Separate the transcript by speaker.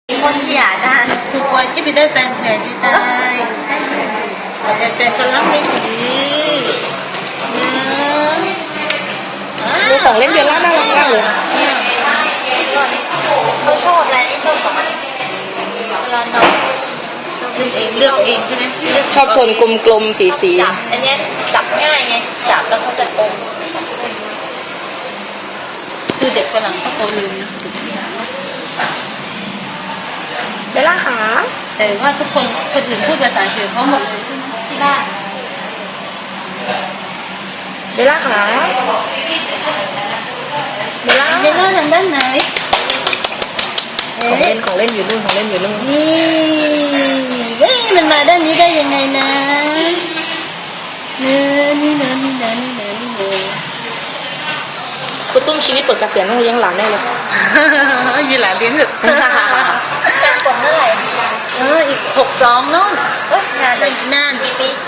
Speaker 1: คนอยากได้
Speaker 2: ถูกไว้จะไปได้แฟนแท้ที่ได้แต่แฟนคนรักไม่ดี
Speaker 3: ดูของเล่นเบลล่าน่ารักมากเลย
Speaker 1: เขาชอบอะไรนี่ชอบสองอันเวลาน้อง
Speaker 2: เลือกเองใช่ไหม
Speaker 3: ชอบโทนกลมๆสี
Speaker 1: จับอันเนี้ยจับง่ายไงจับแล้วเขาจะอม
Speaker 2: คือเด็กฝรั่งก็โตลืมนะ
Speaker 3: เบลล่าขา
Speaker 2: แต่ว่าทุกคนอื่นพูดภาษาอังกฤษเขาหมดเลยใช่ไหม
Speaker 1: ที่บ้าน
Speaker 3: เบลล่าขาเบลล่า
Speaker 2: เบลล่าทางด้านไหน
Speaker 3: ของเล่นอยู่นู่น
Speaker 2: นี่เว้ยมันมาด้านนี้ได้ยังไงนะนี่เนอะ
Speaker 3: คุณตุ้มชีวิตเปิดเกษียณต้องเลี้ยงหลานแน่เลย
Speaker 2: มีหลานเลี้ยงเถอะ
Speaker 1: การกดเมื่อไหร่
Speaker 2: อีก62น้อง
Speaker 1: นานเลย
Speaker 2: นาน
Speaker 1: กี่ปี